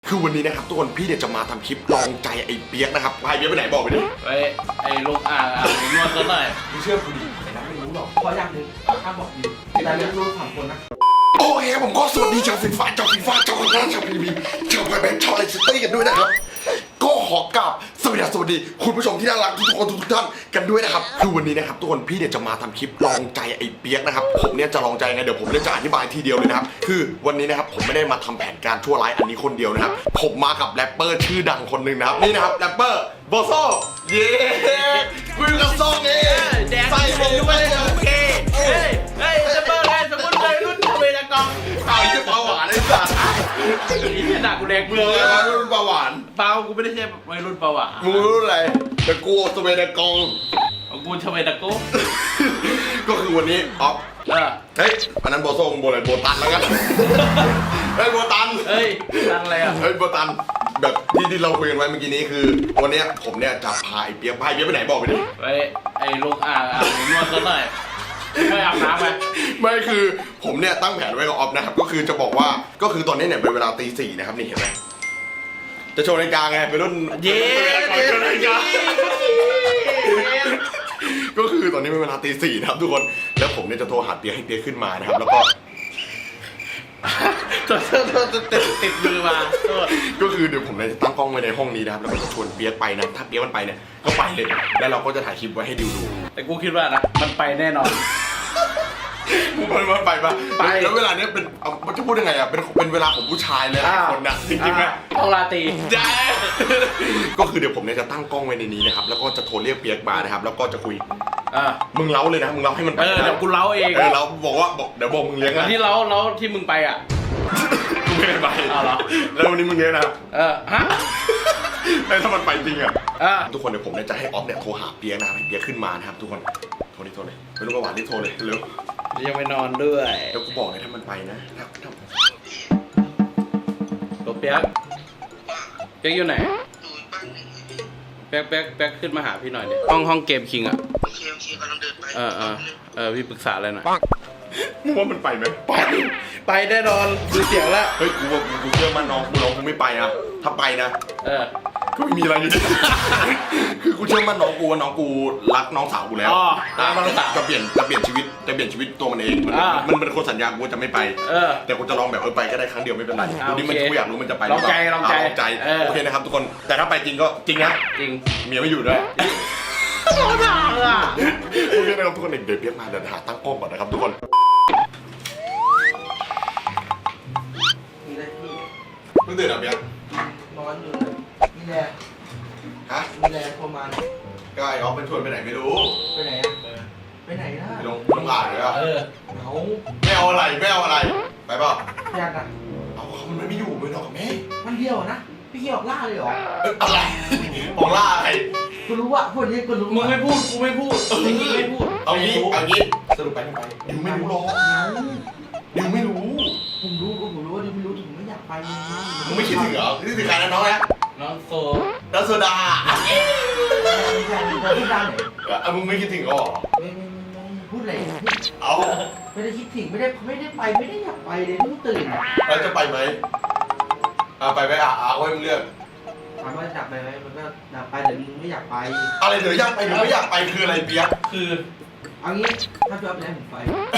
คือวันนี้นะครับทุกคนพี่เนี่ยจะมาทำคลิปลองใจไอ้เปียกนะครับไอ้เปียกไปไหนบอกไปดิไอ้ลูกนวดซะหน่อยมึงเชื่อกูดิไอ้นั้นไม่รู้หรอกขออย่างหนึ่งห้ามบอกดิวแต่เรียนรู้3 คนนะโอเคครับผมก็สวัสดีชาวฟีฟ่าชาวฟีฟ่าชาวร้านชาวพีบีชาวไบแบงค์ชาวไอซิตี้กันด้วยนะครับก็ขอกราบสวัสดีคุณผู้ชมที่น่ารักทุกคนทุกท่านกันด้วยนะครับคือวันนี้นะครับทุกคนพี่เนี่ยจะมาทำคลิปลองใจไอ้เปียกนะครับผมเนี่ยจะลองใจไงเดี๋ยวผมเนี่ยจะอธิบายทีเดียวเลยนะครับคือวันนี้นะครับผมไม่ได้มาทำแผนการชั่วร้ายอันนี้คนเดียวนะครับผมมากับแรปเปอร์ชื่อดังคนหนึ่งนะครับนี่นะครับแรปเปอร์โบโซเย้คุยกับซองเองใส่ผมด้วยโอเคจะเปิดไงสมมติเลยรุ่นเวลากองเอาไอ้เปาหวานไอ้สัสนี่หนักกูแดกเบื่อรุ่นเปาหวานเปากูไม่ได้ใช่วัยรุ่นเปาอ่ะมึงรู้อะไรแต่กูสเวดกองกูชเวตะโก้ก็คือวันนี้ออฟเฮ้ยอันนั้นโบโซ่โบอะไรโบตันแล้วกันเฮ้ยโบตันเฮ้ยตั้งอะไรอ่ะเฮ้ยโบตันแบบที่เราคุยกันไว้เมื่อกี้นี้คือวันนี้ผมเนี่ยจะพาไอ้เปียกไปไหนบอกไปดิไอ้ลูกนวดซะหน่อยไม่อาบน้ำไหมไม่คือผมเนี่ยตั้งแผนไว้กับออฟนะครับก็คือจะบอกว่าก็คือตอนนี้เนี่ยเป็นเวลาตี 4นะครับนี่เห็นไหมจะโชว์นาฬิกาไงเป็นรุ่นเย้โชว์นาฬิกาก็คือตอนนี้เป็นเวลาตี 4นะครับทุกคนแล้วผมเนี่ยจะโทรหาเปียกให้เปียกขึ้นมานะครับแล้วก็ติดมือมาก็คือเดี๋ยวผมจะตั้งกล้องไว้ในห้องนี้นะครับแล้วก็จะชวนเปียกไปนะถ้าเปียกมันไปเนี่ยก็ไปเลยแล้วเราก็จะถ่ายคลิปไว้ให้ดิวดูแต่กูคิดว่านะมันไปแน่นอนมันไปปะไปแล้วเวลาเนี้ยเป็นมันจะพูดยังไงอ่ะเป็นเวลาของผู้ชายเลยคนนะจริงๆไหมห้องลาตีก็คือเดี๋ยวผมเนี่ยจะตั้งกล้องไว้ในนี้นะครับแล้วก็จะโทรเรียกเปียกมานะครับแล้วก็จะคุยมึงเล้าเลยนะมึงเล้าให้มันไปเดี๋ยวกูเล้าเองเราบอกว่าเดี๋ยวบอกมึงเลี้ยงนะที่เล้าที่มึงไปอ่ะกูไม่ได้ไปเหรอแล้ววันนี้มึงเลี้ยงนะฮะแล้วถ้ามันไปจริงอ่ะทุกคนเดี๋ยวผมเนี่ยจะให้ออฟเนี่ยโทรหาเปียกนะครับให้เปียกขึ้นมานะครับทุกคนโทรเลยไม่รู้ประวัติที่โทรเลยเร็วยังไม่นอนด้วยเดี๋ยวกูบอกเลยถ้ามันไปนะตัวเปียกอยู่ไหนเปียกขึ้นมาหาพี่หน่อยดิห้องเกมคิงอ่ะโอเคกำลังเดินไปพี่ปรึกษาอะไรหน่อยมึงว่ามันไปไหมไปแน่นอนดูเสียงแล้วเฮ้ยกูเชื่อมั่นน้องกูไม่ไปนะถ้าไปนะก็ไม่มีอะไรอยู่ดีคือกูเชื่อมั่นน้องกูว่าน้องกูรักน้องสาวกูแล้วจะเปลี่ยนชีวิตตัวมันเองมันเป็นคนสัญญากูจะไม่ไปแต่กูจะลองแบบไปก็ได้ครั้งเดียวไม่เป็นไรดูดิมันกูอยากรู้มันจะไปลองใจโอเคนะครับทุกคนแต่ถ้าไปจริงก็จริงนะจริงเมียไม่อยู่ด้วยโอเคนะครับทุกคนเดี๋ยวเปียกมาเดี๋ยวหาตั้งกล้องก่อนนะครับทุกคนเพิ่งตื่นอ่ะเปียกนอนอยู่นี่แหละฮะนี่แหละประมาณก็ไอ้ออฟเป็นชวนไปไหนไม่รู้ไปไหนไปไหนล่ะไปลงอ่างเลยอ่ะเขาไม่เอาอะไรไปเปล่าอยากอ่ะเอามันไม่อยู่ไม่หรอกแม่มันเดียวนะพี่เกี่ยวล่าเลยเหรออะไรของล่าอะไรกูรู้ว่าคนนี้กูรู้มึงไม่พูดกูไม่พูดไม่พูดเอางี้สรุปไปไม่ไปดิวไม่รู้หรอกดิวไม่รู้ผมรู้ว่าดิวไม่รู้ถึงไม่อยากไปมึงไม่คิดถึงเหรอคิดถึงใครนะน้องนะน้องโซโซดาพูดได้ไหนมึงไม่คิดถึงหรอไม่พูดอะไรเอาไม่ได้คิดถึงไม่ได้ไปไม่ได้อยากไปเลยเพิ่งตื่นแล้วจะไปไหมไปไว้มึงเลือกถามว่าอยากไปไหมมันก็อยากไปแต่มึงไม่อยากไปอะไรเดี๋ยวอยากไปหรือไม่อยากไปคืออะไรเปียกคือเอางี้ถ้าพี่อ๊อฟไปแล้วผมไป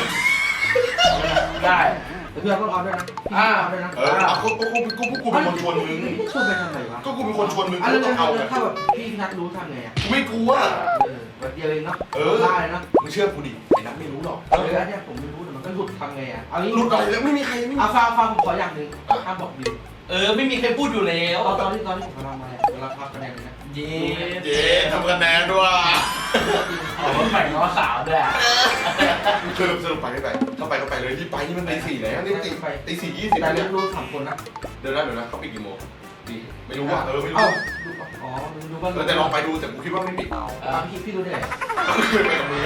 ได้แต่พี่อ๊อฟต้องออฟด้วยนะพี่อ๊อฟด้วยนะกูเป็นคนชวนมึงชวนไปทำไมวะก็กูเป็นคนชวนมึงก็ต้องเอาถ้าแบบพี่นัดรู้ทำไงอ่ะไม่กลัวแบบเดียวเองเนาะได้เนาะมึงเชื่อกูดิไอ้นัทไม่รู้หรอกอันนี้ผมไม่รู้แต่มันก็หลุดทำไงอ่ะเอางี้หลุดอะไรแล้วไม่มีใครไม่เอาฟังผมขออย่างหนึ่งห้ามบอกดิวไม่มีใครพูดอยู่แล้วตอนที่ผมทำมาเวลาพักคะแนนนะเย้ทำคะแนนด้วยมันใหม่ง้อสาวด้วยสรุปไปไม่ไปถ้าไปก็ไปเลยที่ไปนี่มันตี 4แล้วนี่ตี 4:20 แต่เรียนรู้3 คนนะเดี๋ยวนะเขาปิดกี่โมงไม่รู้ว่าไม่รู้อ๋อรู้ว่าแต่ลองไปดูแต่กูคิดว่าไม่ปิดพี่รู้ได้ไงไปกับมึงไง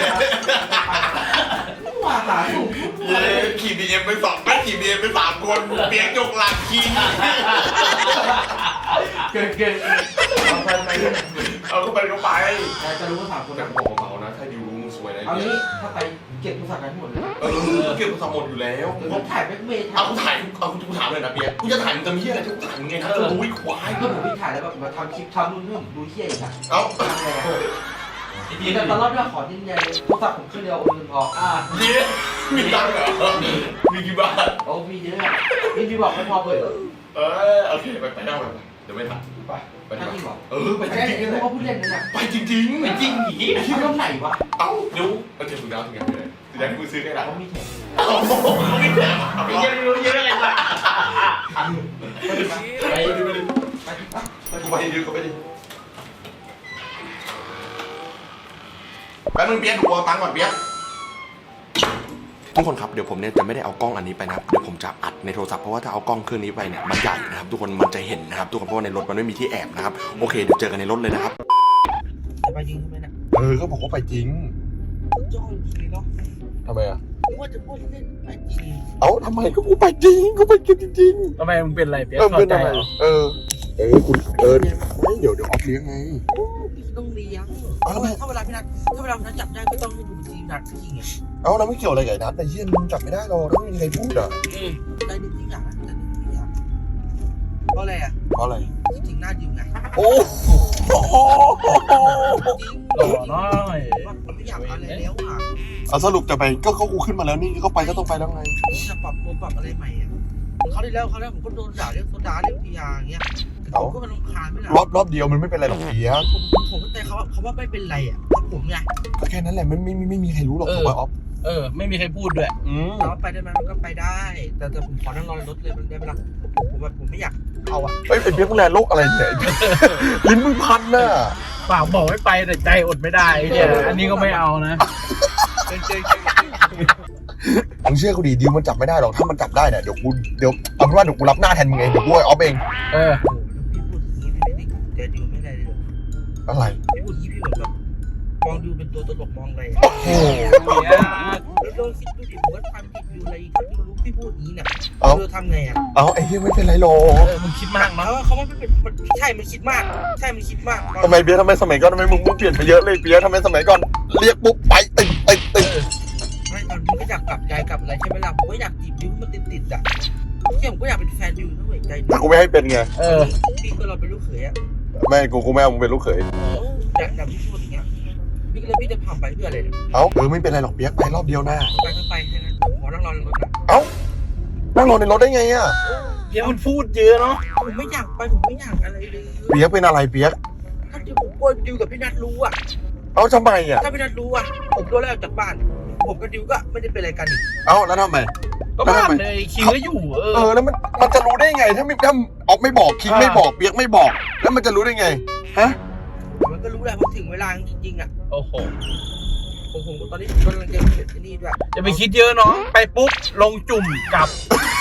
ว่าหาถูกขี่BMไป2ไม่ขี่BMไป3คนเปียกยกหลังขี่เกินเอาไปเอาก็ไปก็ไปแต่จะรู้ว่า3 คนแต่นะบอกเบาๆนะถ้าดิวรู้มึงสวยนะเอางี้ถ้าไปเก็บโทรศัพท์กันทั้งหมดเลยเก็บโทรศัพท์หมดอยู่แล้วผมถ่ายแบ็คเมย์เอากูถ่ายกูถามเลยนะเปียกกูจะถ่ายมึงจะมีอะไรจะกูถ่ายมึงไงนะจะรู้ไอ้ควายก็ผมพี่ถ่ายแล้วแบบมาทำคลิปทำนู่นนี่ผมดูเที่ยอีกอ่ะเอ้าแต่ตอนรอบนี้ขอยืนยันโทรศัพท์ผมเครื่องเดียวโอนเงินพอเย้มีตังค์เหรอมีกี่บาทโอ้มีเยอะพี่บอกไม่พอเปิดโอเคไปนั่งไปเดี๋ยวไม่ทันไปจริงเหรอไปจริงๆนี่แหละเขาพูดเล่นนะเนี่ยไปจริงๆไปจริงหนีที่ตรงไหนวะเอ้าเดี๋ยวเก็บถุงดาวถุงยางไปเลยถุงยางที่มึงซื้อได้หรอเขามีแถมเอ้าเขาไม่แถมไปเยอะเยอะเลยล่ะไปไปดิไปดิไปดิก็ไปดิแป๊บนึงเปี๊ยกดูเอาตังค์ก่อนเปี๊ยกทุกคนครับเดี๋ยวผมเนี่ยจะไม่ได้เอากล้องอันนี้ไปนะครับเดี๋ยวผมจะอัดในโทรศัพท์เพราะว่าถ้าเอากล้องเครื่องนี้ไปเนี่ยมันใหญ่นะครับทุกคนมันจะเห็นนะครับทุกคนเพราะว่าในรถมันไม่มีที่แอบนะครับโอเคเดี๋ยวเจอกันในรถเลยนะครับจะไปจริงใช่ไหมเนี่ยก็บอกว่าไปจริงจ้องจริงเนาะทำไมอ่ะว่าจะพูดเล่นไปจริงทำไมก็กูไปจริงกูไปจริงทำไมมึงเป็นอะไรเปียกเป็นอะไรคุณไม่เดี๋ยวออฟเลี้ยงไงพี่ต้องเลี้ยงแล้วไงถ้าเวลาพี่นัทจับได้ก็ต้องให้ดูจริงนัทจริงไงแล้วไม่เกี่ยวอะไรกับไอ้นัทไอ้เหี้ยมึงจับไม่ได้หรอกถ้าไม่มีใครพูดอ่ะได้จริงอย่างได้จริงอย่างเพราะอะไรอ่ะเพราะอะไรจริงๆหน้าดิวไงโอ้โหจริงหล่อน้อยผมไม่อยากอะไรแล้วอ่ะเอาสรุปจะไปก็กูขึ้นมาแล้วนี่ก็ไปก็ต้องไปแล้วไงผมจะปรับตัวปรับอะไรใหม่อ่ะเขาที่แล้วผมก็โดนด่าเรื่องโซดาเรื่องพีอาร์อย่างเงี้ยผมก็มันรำคาญไม่ได้รอบเดียวมันไม่เป็นไรหรอกเพียผมเข้าใจเขาว่าไม่เป็นไรอ่ะแต่ผมไงก็แค่นั้นแหละมันไม่มีใครรู้หรอกถูกป่ะออฟไม่มีใครพูดด้วยถามว่าไปได้ไหมมันก็ไปได้ แต่ผมขอนั่งรอในรถเลยมันได้ไหมล่ะผมไม่อยากเอาอ่ะเฮ้ยเป็นเพี้ยมึงแลโลกอะไรเนี่ยลิ้นมึงพันน่ะปากบอกไม่ไปแต่ใจอดไม่ได้เนี่ยอันนี้ก็ไม่เอานะมึงเชื่อกูดิดิวมันจับไม่ได้หรอกถ้ามันจับได้เนี่ยเดี๋ยวเอาเป็นว่าเดี๋ยวกูรับหน้าแทนมึงเองเดี๋ยวกูไอ้ออฟเองโอ้พี่พูดอย่างนี้พี่ไม่ได้ดิวไม่ได้เลยอะไรพี่พูดอย่างนี้พี่เหมือนแบบมองดิวเป็นตัวตลกมองอะไรโอ้โหแล้วลองคิดดูดิผมก็ทำผิดอยู่อะไรถ้าดิวรู้พี่พูดอย่างนี้เนี่ยดิวทำไงอ่ะไอ้เหี้ยไม่เป็นไรหรอกมึงคิดมากเนาะเขาว่าไม่เป็นใช่มันคิดมากทำไมเปียทำไมสมัยก่อนทำไมมึงเปลี่ยนไปเยอะเลยเปียทำไมสมัยก่อนเรียกปุ๊บไปติดไม่ตอนนี้ก็อยากกลับใจกลับอะไรใช่ไหมล่ะผมก็อยากจีบดิวมันติดอ่ะผมก็อยากเป็นแฟนดิวด้วยใจแต่กูไม่ให้เป็นไงพี่ก็เราเป็นลูกเขยอ่ะไม่กูไม่เอามึงเป็นลูกเขยแต่พี่พูดอย่างเงี้ยพี่จะผ่านไปเพื่ออะไรเนี่ยไม่เป็นไรหรอกเปียกไปรอบเดียวนะไปก็ไปแค่นั้นขอนั่งรอในรถนะนั่งรอในรถได้ไงอ่ะเปียกมันพูดเยอะเนาะผมไม่อยากไปผมไม่อยากอะไรเลยเปียกเป็นอะไรเปียกถ้าดิวผมกลัวดิวกับพี่นัทรู้อ่ะทำไมอ่ะถ้าพี่นัทรู้อ่ะผมโดนไล่ออกจากบ้านผมกับดิวก็ไม่ได้เป็นอะไรกันอีกแล้วทำไมก็บ้านเลยคิงก็อยู่แล้วมันจะรู้ได้ไงถ้าออกไม่บอกคิงไม่บอกเปียกไม่บอก แล้วมันจะรู้ได้ไงฮะมันก็รู้แหละพอถึงเวลาจริงๆอ่ะโอ้โหผมตอนนี้ผมกำลังจะเขียนที่นี่ด้วยจะไปคิดเยอะเนาะไปปุ๊บลงจุ่มกลับ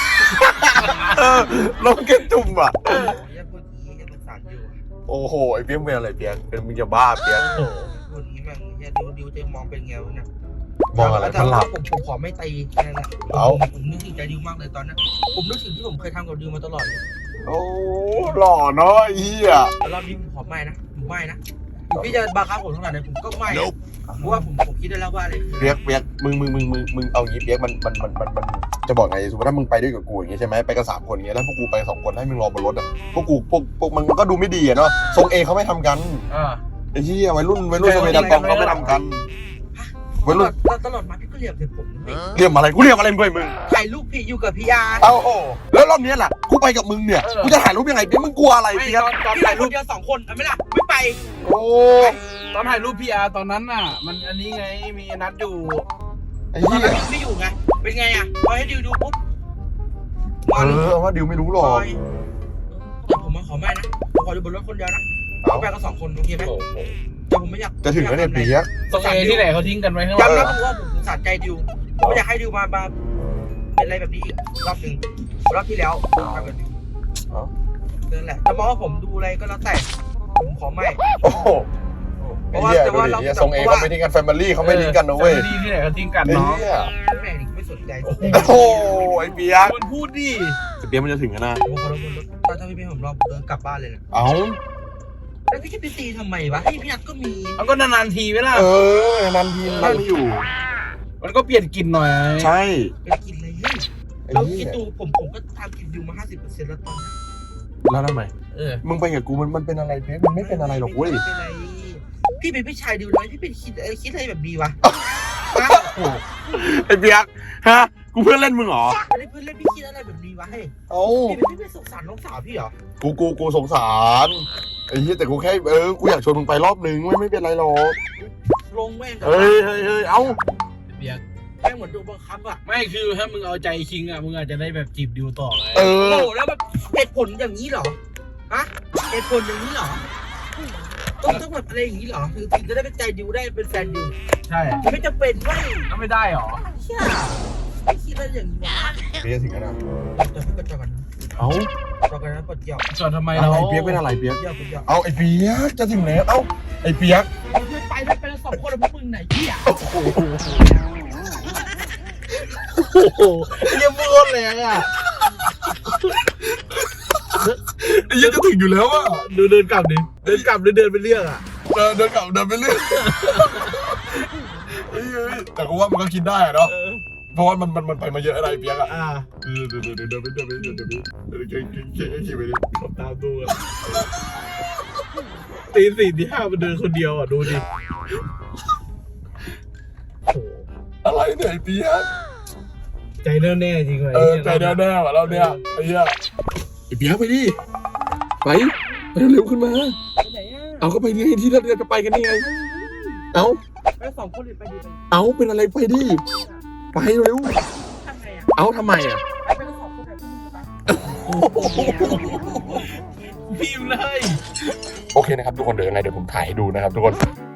ลงเก็บจุ่มอ่ะอย่าพูดอย่างนี้อย่าประสานดิวโอ้โหไอ้เปียกเป็นอะไรเปียกเป็นมึงจะบ้าเปียกพูดอย่างนี้แม่งอย่าดิวจะมองเป็นไงวะเนี่ยมองอะไรแต่มันหลับผมขอไม่ตีแค่นั้นแหละผมนึกถึงใจดิวมากเลยตอนนั้นผมนึกถึงที่ผมเคยทำกับดิวมาตลอดเลยโอ้หล่อเนาะไอ้เหี้ยแล้วรอบนี้ผมขอไม่นะผมไม่นะพี่จะบังคับผมขนาดไหนผมก็ไม่เพราะว่าผมคิดได้แล้วว่าอะไรคือเปียกมึงเอางี้เปียกมันจะบอกไงสมมติถ้ามึงไปด้วยกับกูอย่างงี้ใช่ไหมไปกัน3 คนอย่างเงี้ยแล้วพวกกูไป2 คนให้มึงรอบนรถอ่ะพวกมันก็ดูไม่ดีอะเนาะทรงเอเขาไม่ทำกันไอ้เหี้ยวัยรุ่นสมัยดันกองเขาไม่ทำกันวัยรุ่นตลอดมาพี่ก็เรียกแต่ผมเรียกอะไรกูเรียกอะไรมึงถ่ายรูปพี่อยู่กับพี่อาร์แล้วรอบนี้แหละกูไปกับมึงเนี่ยกูจะถ่ายรูปยังไงเปียกมึงกลัวอะไรไม่เปียกตอนพี่ถ่าถ่าย ยรูรูปปเดียว2 คนไม่ล่ะไม่ไปโอ้ตอนถ่ายรูปพีอาร์ตอนนั้นน่ะ มันอันนี้ไงมีนัดอยู่ไอ้ตอนเหี้ยนั้นไม่อยู่ไงเป็นไงอ่ะพอให้ดิวดูปุ๊บว่าดิวไม่รู้หรอกแต่ผมมาขอไม่นะผมขออยู่บนรถคนเดียวนะไปกัน2 คนโอเคไหมแต่ผมไม่อยากจะถึงแล้วเนี่ยเปียกตรงเอที่ไหนเขาทิ้งกันไว้ข้างหลัย้ำงนะผมว่าผมสะใจดิวผมไม่อยากให้ดิวมาเป็นอะไรแบบนี้อีกรอบหนึ่งรอบที่แล้วทำแบบนี้นั่นแหละจะมองว่าผมดูอะไรก็แล้วแต่ผมขอไม่โอ้โหไอ้เหี้ยดูดิทรงเอเขาไม่ทิ้งกันแฟมิลี่เขาไม่ทิ้งกันนะเว้ยที่ไหนเขาทิ้งกันไอ้เนาะเหี้ยแม่นี่ไม่สนใจโอ้โหไอ้เปียกมันพูดดิเปียกมันจะถึงกันนะผมขอรถบนรถถ้าพี่ไม่ผมรอเดินกลับบ้านเลยนะเอ้าแล้วพี่จะไปตีทำไมวะให้พี่นัทก็มีมันก็นานๆทีไหมล่ะนันทีนั่งไม่อยู่มันก็เปลี่ยนกลิ่นหน่อยใช่เป็นกินอะไรเฮ้ยเราคิดดูผมก็ทำกินอยู่มา 50%แล้วตอนนี้แล้วทำไม มึงไปกับกูมันเป็นอะไรเพชรมันไม่เป็นอะไรหรอกเว้ยไม่เป็นไรพี่เป็นพี่ชายดิวน้อยพี่เป็นคิดอะไรแบบนี้วะไอ้เปียกฮะกูเพื่อนเล่นมึงเหรอไม่ได้เพื่อนเล่นพี่คิดอะไรแบบนี้วะเฮ้ยเอ้าพี่ไม่สงสารน้องสาวพี่เหรอกูสงสารไอ้เหี้ยแต่กูแค่กูอยากชวนมึงไปรอบนึงไม่เป็นไรหรอกลงแม่งเฮ้ยเอ้าเบียกแม่งเหมือนโดนบังคับอ่ะไม่คือถ้ามึงเอาใจคิงอ่ะมึงอาจจะได้แบบจีบดิวต่อไงโอ้โหแล้วแบบเหตุผลอย่างนี้เหรอฮะเหตุผลอย่างนี้เหรอต้องแบบอะไรอย่างนี้เหรอถึงจะได้เป็นใจดิวได้เป็นแฟนดิวใช่ไม่จำเป็นเว้ยก็ไม่ได้หรอเชี่ยไม่คิดอะไรอย่างนี้วะเปียกถึงขนาดเดี๋ยวพี่ก็จอกันเอ้าจอกันนะกดเกี่ยวจอดทำไมอะเราไรเปียกเป็นอะไรเปียกเกี่ยวกดเกี่ยวเอาไอ้เปียกจะถึงแล้วเอ้าไอ้เปียกไม่ไปแล้ว2 คนแล้วพวกมึงไหนเหี้ยโอ้โหโอ้โหเยี่ยมโคตรแรงอ่ะไอ้เหี้ยจะถึงอยู่แล้วอ่ะดูเดินกลับดิเดินกลับหรือเดินไปเรื่องอ่ะเดินกลับเดินไปเรื่อยเฮ้ยแต่กูว่ามันก็คิดได้อะเนาะเพราะว่ามันไปมาเยอะอะไรเปียกอ่ะเดินไปขี่ไปดิผมตามดูอ่ะตีสี่ที่ห้ามันเดินคนเดียวอ่ะดูดิโอ้โหอะไรเนี่ยไอ้เปียกใจแน่ๆจริงเลยใจแน่ๆว่ะเราเนี่ยไอ้เหี้ยไอ้เปียกไปดิไปเร็วขึ้นมาไปไหนอ่ะเอาก็ไปนี่ที่เราจะไปกันนี่ไงเอาไป2 คนเลยไปดีเอาเป็นอะไรไปดิไปเร็วทำไงอ่ะเอาทำไมอ่ะไปกัน2 คนแบบนี้ไปพิมพ์เลยโอเคนะครับทุกคนเดี๋ยวยังไงเดี๋ยวผมถ่ายให้ดูนะครับทุกคน